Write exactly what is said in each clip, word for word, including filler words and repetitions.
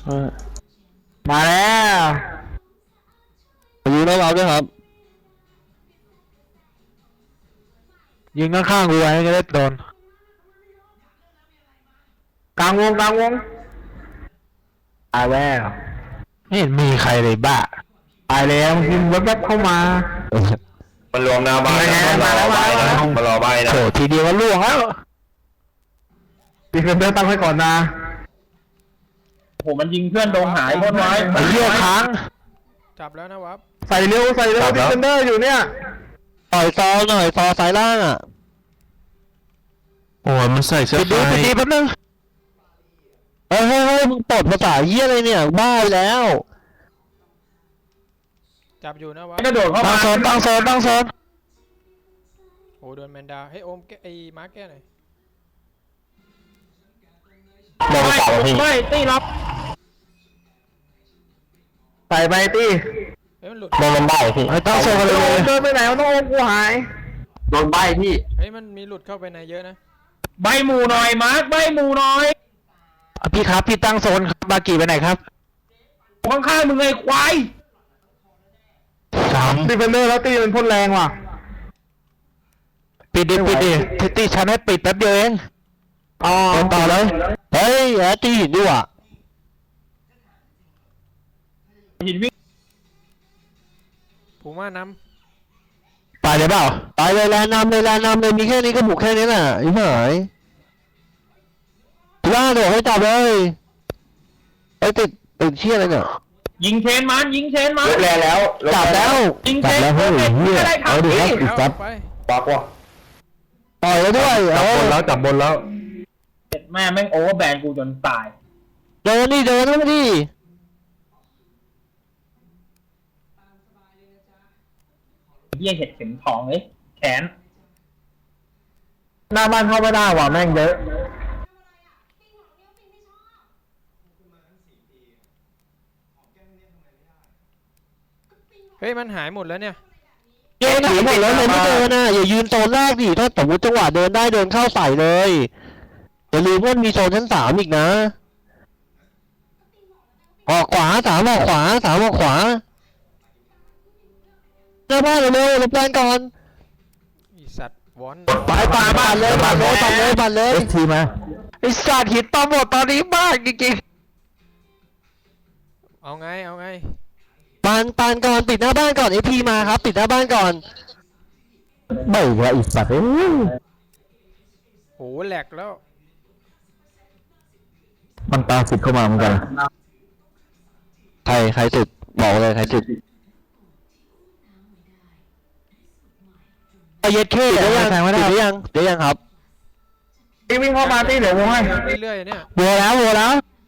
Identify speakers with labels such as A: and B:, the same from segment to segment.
A: มาแล้ว
B: ยิงแล้วเราด้วยครับ
A: ยิงข้างๆกูไว้จะได้โดนกลางวงกลางวงตายแล้วไม่เห็นมีใครเลยบ้าตายแล้วยิงแวบๆเข้ามา
C: มันรวมหน้าบ้าน
A: มาแล้วมาแล้ว
C: มารอใบนะ
A: โถทีเดียวก็ล่วงแล้วดีเฟนเดอร์ตั้งไว้ก่อนนะ
D: โหมันยิงเพื่อนโดนหายหมดไว้
A: ไอ้เหี้ยค้าง
E: จับแล้วนะวับ
A: ใส่เร็วใส่เร็วดีเฟนเดอร์อยู่เนี่ย
B: ต่อยซอหน่อยซอสายล่างอ่ะ
C: โอ้ยมันใส่เสื้อ
A: ปิดดีปิดดีแป๊บนึง
B: เฮ้ยเฮ้ยเฮ้ยมึงปลดภาษาเหี้ยอะไรเนี่ยบ้าไปแล้ว
E: จับอยู่นะวับ
D: กระโดดเข้า
A: ตั้
D: มาง
A: โซนตั้งโซนตั้งโซน
E: โอ้โดนแมนดาให้โอมแกไอ้มาร์กแก้หน่อย
B: มองต่อพี่
D: ไม่ตีรับ
A: ใส่ไปตี้
E: เฮ้ยมันหลุด
B: มองมันได้พี่
A: ตั้งโซนกันเลยเดินไปไหนมันต้องโอ้กูหาย
B: โดนใบพี่
E: เฮ้ยมันมีหลุดเข้าไปในเยอะนะ
D: ใบหมูหน่อยมาร์คใบหมูหน่อย
A: พี่ครับพี่ตั้งโซนบากี่ไปไหนครับ
D: ข้างๆมึงไงควาย
A: สามดิเฟนเดอร์แล้วตีมันพ่นแรงว่ะปิดดิปิดดิทิตี้ฉันให้ปิดแป๊บเดียวเองอ๋อ
B: ต่อเลยเฮ้ยแอตตี้หินด้วยอ่ะ
D: หินวิ่ง
E: ผูม่าน
A: ำไปเลยเปล่า
B: ไปเลยแลนำเลยแลนำเลยมีแค่นี้ก็บุกแค่นี้แหละไอ้หายล่าเดี๋ยวให้จับเลยไอ้ติดติดเชี่ยอะไรเนี่ย
D: ยิงเชนมันยิงเชนมัน
C: แลแล้ว
B: จับแล้ว
D: ยิงเชน
B: จับแล้วเฮ้ยเฮียเอาดิครับอีกจับ
C: ปากว่ะ
B: ต่อยแล้วด้วย
C: จับบนแล้วจับบนแล้ว
D: แม่แม่งโอเวอร์แบนกูจนตาย
B: เดินดิเดินแล้วดิ
D: เหี้ยเห็ดเข็มทองเลยแขน
A: หน้าบ้านเข้าไม่ได้ว่ะแม่งเยอะ
E: เฮ้ยมันหายหมดแล้วเนี่ย
B: เดินหายหมดแล้วเลยไม่เดินนะอย่ายืนโซนแรกดิถ้าสมมติจังหวะเดินได้เดินเข้าใส่เลยอย่าลืมว่ามีโซนชั้นสามอีกนะออกขวาสามออกขวาสามออกขวาหน้าบ้านเลยรับแรงก่อน
E: อีสัตว์วอน
B: ไปป่าบ้านเลยบ้านเลยบ้านเลยบ้านเลย
A: ทีมาไอ้สัตว์หินตอมหมดตอนนี้มากจริง
E: ๆเอาไงเอาไง
B: ปานปานก่อนปิดหน้าบ้านก่อนไอพีมาครับปิดหน้าบ้านก่อนไม่ว่าอีสัตว์เอ้ย
E: โหแหลกแล้ว
A: มันตาสุดเข้ามาเหมือนกัน
B: ใครใครสุดบอกเลยใครสุดเย็ดเข้เดี๋ยวยังเดี๋ยวยังเดี๋ยวยังครับ
A: ตีวิ่งเข้ามาตีเดี๋ยววงให้
E: เรื่อยๆเนี่ย
B: วัวแล้ววัวแล้ว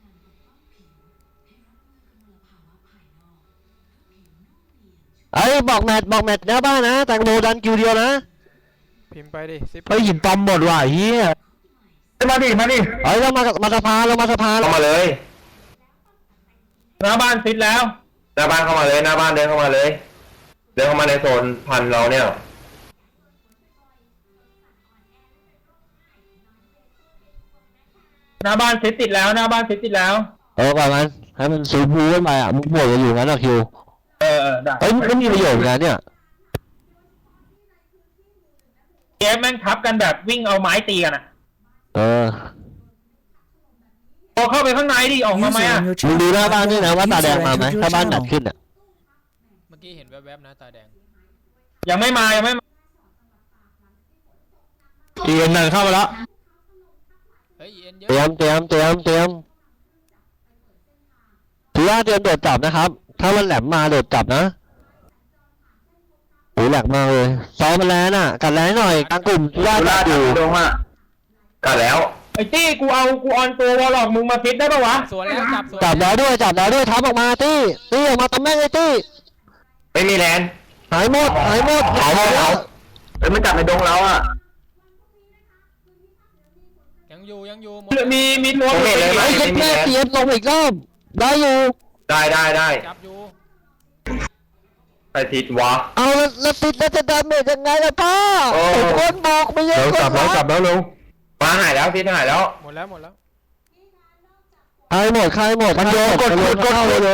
B: ไอ้บอกแมทบอกแมทหน้าบ้านนะแตงโมดันคิวเดียวนะ
E: พิมพ์ไปดิซิป
A: ไปหินตอมหมดว่ะเฮียมาดิมาดิ
B: เฮ้ยเรามามาสภาเรามาสภา
C: เข้ามาเลย
D: หน้าบ้านฟิตแล้ว
C: หน้าบ้านเข้ามาเลยหน้าบ้านเดินเข้ามาเลยเดินเข้ามาในโซนพันเราเนี่ย
D: หน้าบ้านฟิตติดแล้วหน้าบ้านฟิตติดแล้ว
B: เออประมาณให้มันซูบูขึ้นไปอ่ะมุกบวกจะอยู่งั้นหรอคิว
D: เออเออได้
B: เฮ้ยมันมีประโยชน์นะเนี่ย
D: เกมแม่งทับกันแบบวิ่งเอาไม้ตีกันอ่ะ
B: เออ
D: พอเข้าไปข้างในดิออกมาไหมอ่ะ
B: มึงดูหน้าบ้านด้วยนะว่าตาแดงมาไหมถ้าบ้านหนักขึ้นอ่ะ
E: เมื่อกี้เห็นแวบๆนะตาแดง
D: ยังไม่มายังไม่มา
A: เอ็นหนึ่งเข้ามาแล้ว
E: เฮ้ยเอ็นเยอะ
B: เตรียมเตรียมเตรียมเตรียมถือว่าเตรียมโดดจับนะครับถ้ามันแหลมมาโดดจับนะโอ้แหลกมากเลยซ้อมมันแล้วน่ะกัดแรงหน่อยกลางกลุ่มถือว่าจับอยู่
C: ลงอ่ะกัดแล้ว
D: ไอ้ตี้กูเอากูออนตัววอลล็อกมึงมาฟิตได้ปะวะ
E: สวนแล้วจับสวน
B: จับแล้วด้วยจับแล้วด้วยทับออกมาตี้ตี้ออกมาตำแม่งเลยตี้
C: ไม่มีแลน
B: หายหมดหายหมด
C: หายหมดแล้วเอ้ยมันจับในดงเราอ่ะ
E: ยังอยู่ยังอยู่
D: มีมีตัว
C: เม็ดเลยไหม
B: ไอ้แม่เตียนลงอีกรอบได้อยู่
C: ได้ได้ได้
E: จับอยู่
C: ไอทิศวะ
B: เอาแล้วติดแล้วจะดาเมจยังไงล่ะพ่อคนบอกไม่เยอะ
A: จับแล้วจับแล้วลง
C: มาหายแล้วทิศหายแล้ว
E: หมดแล้วหมดแล้ว
B: ใครหมดใครหมด
A: มันโยนกด
B: มันโยน
A: กด
B: เข้าก
A: ด
B: เร็ว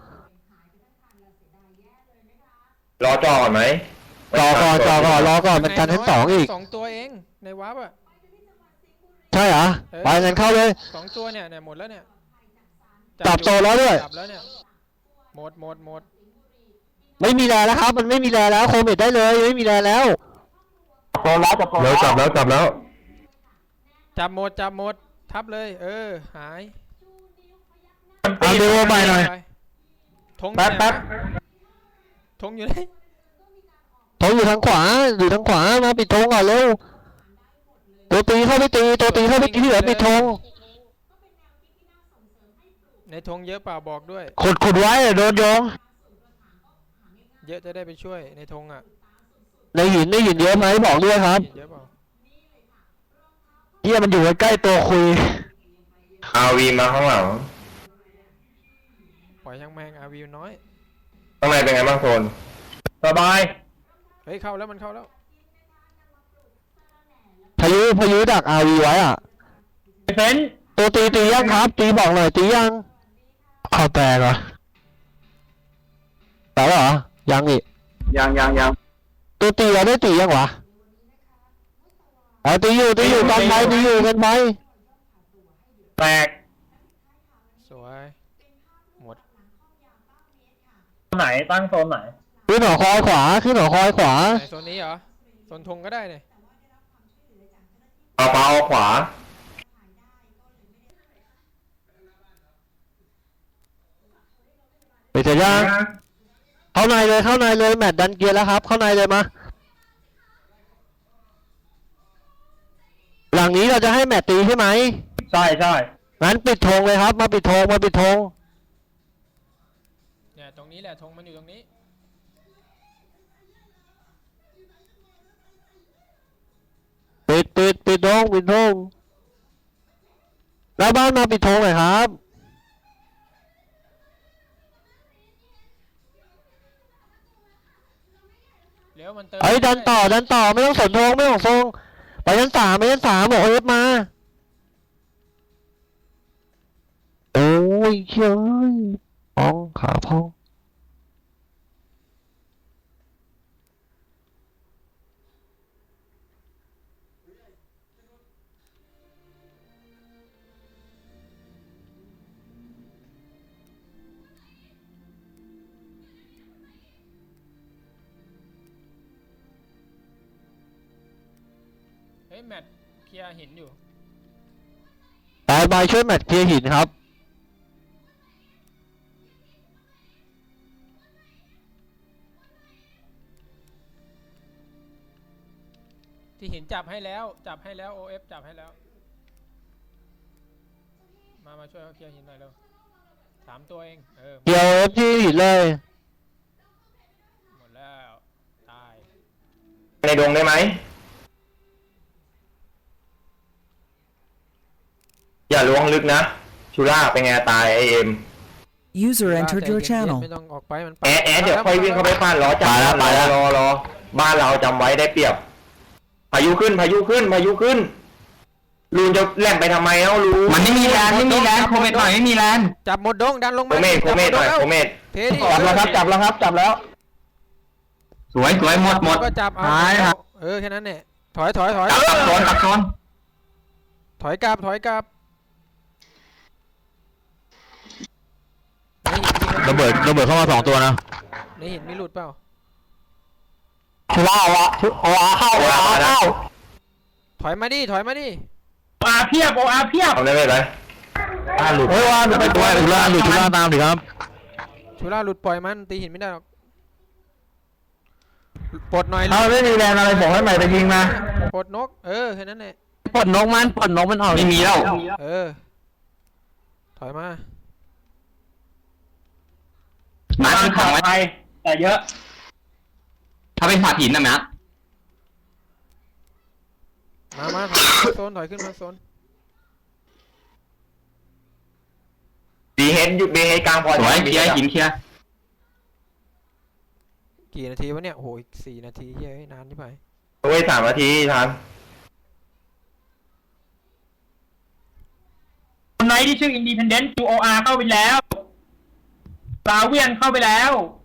C: รอจอก่อนไหม
B: ๆรอก่อนรอก่อนรอก่อนมันกันชั้นสองอีก
E: สองตัวเองในวาร์ปอ่ะ
B: ใช่เหรอ
E: เออ
B: ไปงั้นเข้าเลย
E: สองตัวเนี่ยเนี่ยหมดแล้วเนี่ย
B: จับโซนแล้วด้วย
E: จับแล้วเนี่ยหมดหมดหมด
B: ไม่มีแรงแล้วครับ มันไม่มีแรงแล้วโคเมดได้เลยไม่มีแรงแล้ว
D: โซนแล้วจับโซน
C: เร็วจับแล้วจับแล้ว
E: จับหมดจับหมดทับเลย เออหาย
A: เอาเร็วไปหน่อย
E: ไปธง
A: แป๊บแป๊บ
E: ธงอยู่ไหน
B: ธงอยู่ทางขวาอยู่ทางขวามาปิดธงก่อนเร็วตัวตีเข้าไปตีตัวตีเข้าไปตีที่เหลือปิดธง
E: ในธงเยอะเปล่าบอกด้วย
A: ขุดขุดไว้เดี๋ยวโดนโยง
E: เยอะจะได้ไปช่วยในธงอ่ะ
B: ในหินในหินเยอะไหมบอกด้วยครับ
E: เยอะเปล่า
A: เฮียมันอยู่ใกล้ๆตัวคุย
C: อาวีมาข้างหลัง
E: ปล่อยช่างแมงอาวิวน้อย
C: ข้างในเป็นไงบ้างโซน
D: สบาย
E: เฮ้ยเข้าแล้วมันเข้าแล้ว
B: พายุพายุดักอาวีไว้อ่ะ
D: เฟน
B: ตัวตีตียังครับ ตีบอกหน่อยตียัง
A: เข้าแตกเหรอ
B: แต่เหรอยังอีก
D: ยังยังยัง
B: ตัวตีเราได้ตียังวะเอาตีอยู่ตีอยู่กันไปตีอยู่กันไป
D: แตก
E: สวยหมด
D: ไหนตั้งโซนไหน
B: ขึ้นหอคอยขวาขึ้นหอคอยขวา
E: ไหนโซนนี้เหรอโซนธงก็ได้เนี่ย
C: เอาเปาเอาขวา
B: ไปเสร็จยังเข้าในเลยเข้าในเลยแมตช์ดันเกียร์แล้วครับ เข้าในเลยมาหลังนี้เราจะให้แมตช์ตีใช่ไหม
D: ใช่ใช่
B: งั้นปิดธงเลยครับ มาปิดธงมาปิดธง
E: เนี่ยตรงนี้แหละธงมันอยู่ตรงนี้
B: ปิดปิดปิดธงปิดธงแล้วบ้านมาปิดธงหน่อยครับ
E: เร็วมันเติม
B: เฮ้ยดันต่อดันต่อไม่ต้องสนธงไม่ต้องทรงไปชั้นสามไปชั้นสามบอกเอฟมาโอ้ยเฮ้ยพองขาพอง
E: เฮ้ยแมตช์เคลียร์หินอยู่
B: ไปไปช่วยแมตช์เคลียร์หินครับ
E: ที่หินจับให้แล้วจับให้แล้ว โอ เอฟ จับให้แล้ว มามาช่วยเขาเคลียร์หินหน่อยเร็วสามตัวเองเออ
B: เกี่ยวเอฟที่หินเลย
E: หมดแล้วตาย
C: ในดงได้ไหมอย่าล้วงลึกนะชูล่าเป็นไงตายไอเอ็ม
F: User
E: ว่า
F: entered
E: ใจ
F: your
E: เย็นๆ
F: channel.
E: ไม่ต้องออกไปมัน
C: แอดแอดเดี๋ยวค่อยวิ่งเข้าไปปั้นรอจับรอรอรอบ้านเราจำไว้ได้เปรียบพายุขึ้นพายุขึ้นพายุขึ้นลูนจะแล่นไปทำไมเอ้าลูน
D: มันไม่มีแลนไม่มีแลนโคเมดหน่อยไม่มีแลน
E: จับหมดดงดันลง
C: โค
E: มา
C: เมดโคเมดหน่อยโคเมด
E: เทดิ
D: จับแล้วครับจับแล้วครับจับแล้ว สวยสวยหมดหมด
E: ก็จับเอา
D: หายครับ
E: เออแค่นั้นเนี่ยถอยถอยถอย
D: จับตับโซนตับโซน
E: ถอยกลับถอยกลับ
A: ระเบิดระเบิดเข้ามาสองตัวนะ
E: ในหินมีหลุดเปล่า
B: ว้าวะว้าเข้าว้าเข้า
E: ถอยมาดิถอยมาดิ
D: โออาเพียบโออาเพียบ
C: ทำได้ไหมไรบ้านหลุด
A: เฮ้ยว่าหลุดไปตัวหลุดล่างหลุดชุล่างตามดิครับ
E: ชูล่าหลุดปล่อยมันตีหินไม่ได้หรอกปลดหน่อย
A: ถ้าไม่มีแรงอะไรบอกให้ใหม่ไปยิงมา
E: ปลดนกเออแค่นั้นแหละ
B: ปลดนกมันปลดนกมันออก
D: ไม่มีแล้ว
E: เออถอยมา
D: มาที่ของไปแต่เยอะ ถ้าเป็นผาหินนะแม่
E: มามาถอยขึ้นมาโซนถอยขึ้นมาโซน
C: บีเฮดหยุดบีเฮดกลางพอ
D: สวยเคลียร์หินเคลียร์
E: กี่นาทีวะเนี่ยโอ้โหอีกสี่นาทีเฮ้ยนานที่ไป
C: เว้ยสามนาทีทัน
F: ไนท์ที่ชื่อ Independent ยู โอ อาร์ เข้าไปแล้วลาเวียนเข้าไปแล้ว